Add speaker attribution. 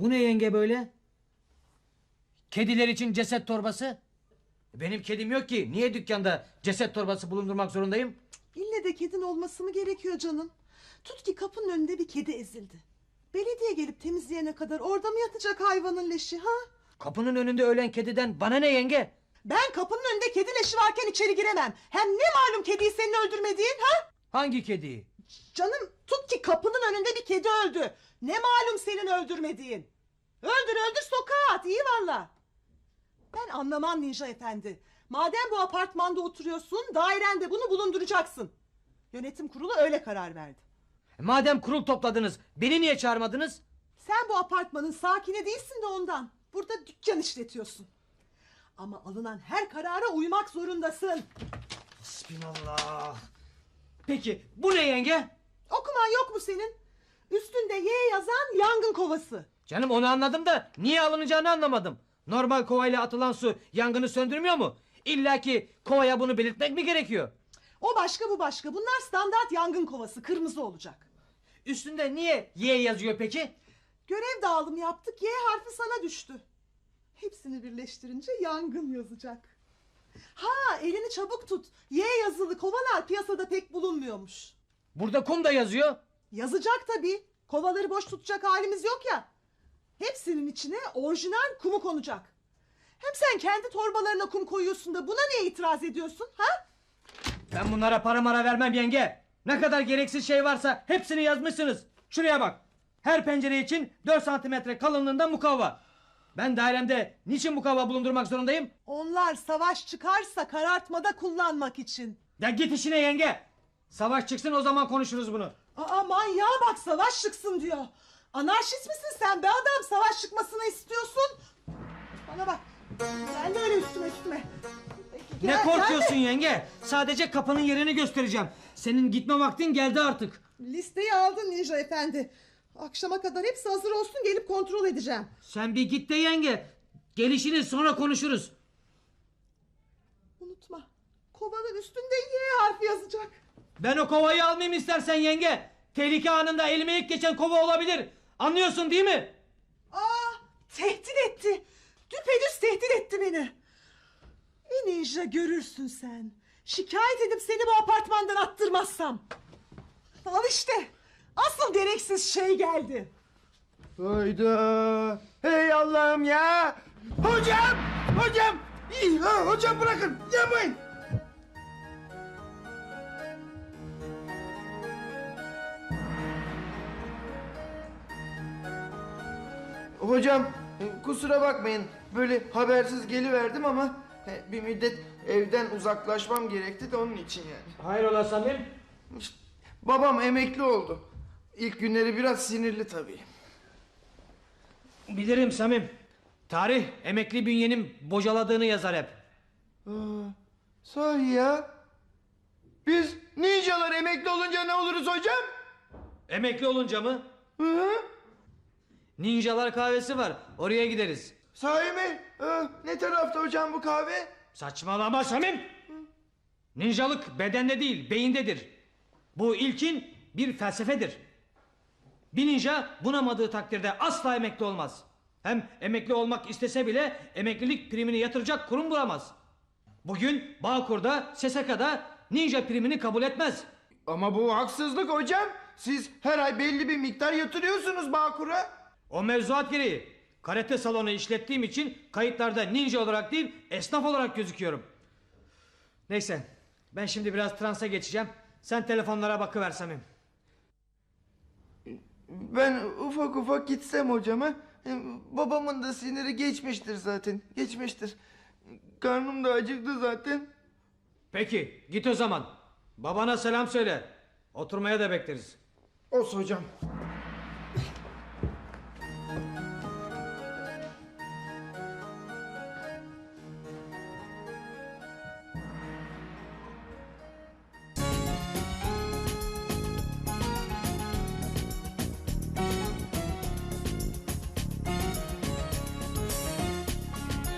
Speaker 1: Bu ne yenge böyle? Kediler için ceset torbası. Benim kedim yok ki. Niye dükkanda ceset torbası bulundurmak zorundayım?
Speaker 2: İlle de kedin olması mı gerekiyor canım? Tut ki kapının önünde bir kedi ezildi. Belediye gelip temizleyene kadar orada mı yatacak hayvanın leşi ha?
Speaker 1: Kapının önünde ölen kediden bana ne yenge?
Speaker 2: Ben kapının önünde kedi leşi varken içeri giremem. Hem ne malum kediyi senin öldürmediğin ha?
Speaker 1: Hangi kediyi?
Speaker 2: Canım tut ki kapının önünde bir kedi öldü. Ne malum senin öldürmediğin? Öldür sokağa at iyi valla. Ben anlamam Ninja Efendi. Madem bu apartmanda oturuyorsun dairende bunu bulunduracaksın. Yönetim kurulu öyle karar verdi.
Speaker 1: Madem kurul topladınız beni niye çağırmadınız?
Speaker 2: Sen bu apartmanın sakini değilsin de ondan. Burada dükkan işletiyorsun. Ama alınan her karara uymak zorundasın.
Speaker 1: Bismillah. Peki bu ne yenge?
Speaker 2: Okuman yok mu senin? Üstünde Y yazan yangın kovası.
Speaker 1: Canım onu anladım da niye alınacağını anlamadım. Normal kovayla atılan su yangını söndürmüyor mu? İlla ki kovaya bunu belirtmek mi gerekiyor?
Speaker 2: O başka bu başka. Bunlar standart yangın kovası. Kırmızı olacak.
Speaker 1: Üstünde niye Y yazıyor peki?
Speaker 2: Görev dağılımı yaptık. Y harfi sana düştü. Hepsini birleştirince yangın yazacak. Ha elini çabuk tut. Y yazılı kovalar piyasada pek bulunmuyormuş.
Speaker 1: Burada kum da yazıyor.
Speaker 2: Yazacak tabii. Kovaları boş tutacak halimiz yok ya. Hepsinin içine orijinal kumu konacak. Hem sen kendi torbalarına kum koyuyorsun da buna niye itiraz ediyorsun ha?
Speaker 1: Ben bunlara para mara vermem yenge. Ne kadar gereksiz şey varsa hepsini yazmışsınız. Şuraya bak. Her pencere için 4 santimetre kalınlığında mukavva. Ben dairemde niçin mukavva bulundurmak zorundayım?
Speaker 2: Onlar savaş çıkarsa karartmada kullanmak için.
Speaker 1: Ya git işine yenge. Savaş çıksın o zaman konuşuruz bunu.
Speaker 2: Aa manyağa bak savaş çıksın diyor. Anarşist misin sen be adam savaş çıkmasını istiyorsun. Bana bak. Gel de öyle üstüme. Peki,
Speaker 1: Ne
Speaker 2: gel
Speaker 1: korkuyorsun
Speaker 2: de.
Speaker 1: yenge? Sadece kapının yerini göstereceğim. Senin gitme vaktin geldi artık.
Speaker 2: Listeyi aldın Ninja Efendi. Akşama kadar hepsi hazır olsun gelip kontrol edeceğim.
Speaker 1: Sen bir git de yenge. Gelişini sonra konuşuruz.
Speaker 2: Unutma. Kovanın üstünde Y harfi yazacak.
Speaker 1: Ben o kovayı almayayım istersen yenge. Tehlike anında elime ilk geçen kova olabilir. Anlıyorsun değil mi?
Speaker 2: Tehdit etti. Düpedüz tehdit etti beni. Ninja görürsün sen. Şikayet edip seni bu apartmandan attırmazsam. Al işte. Asıl gereksiz şey geldi.
Speaker 3: Hayda. Hey Allah'ım ya. Hocam. İyi, hocam bırakın. Yapmayın. Hocam kusura bakmayın. Böyle habersiz geliverdim ama bir müddet evden uzaklaşmam gerekti de onun için yani.
Speaker 1: Hayrola Samim?
Speaker 3: İşte, babam emekli oldu. İlk günleri biraz sinirli tabii.
Speaker 1: Bilirim Samim. Tarih emekli bünyenin bocaladığını yazar hep.
Speaker 3: Sahi ya. Biz ninjalar emekli olunca ne oluruz hocam?
Speaker 1: Emekli olunca mı?
Speaker 3: Hı?
Speaker 1: Ninjalar kahvesi var. Oraya gideriz.
Speaker 3: Sahi mi? Ne tarafta hocam bu kahve?
Speaker 1: Saçmalama Samim. Ninjalık bedende değil beyindedir. Bu ilkin bir felsefedir. Bir ninja bunamadığı takdirde asla emekli olmaz. Hem emekli olmak istese bile emeklilik primini yatıracak kurum bulamaz. Bugün Bağkur'da, SSK'da ninja primini kabul etmez.
Speaker 3: Ama bu haksızlık hocam. Siz her ay belli bir miktar yatırıyorsunuz Bağkur'a.
Speaker 1: O mevzuat gereği karate salonu işlettiğim için kayıtlarda ninja olarak değil esnaf olarak gözüküyorum. Neyse ben şimdi biraz transa geçeceğim. Sen telefonlara bakıver Samim.
Speaker 3: Ben ufak ufak gitsem hocama. Babamın da siniri geçmiştir zaten. Geçmiştir. Karnım da acıktı zaten.
Speaker 1: Peki git o zaman. Babana selam söyle. Oturmaya da bekleriz.
Speaker 3: Olsun hocam.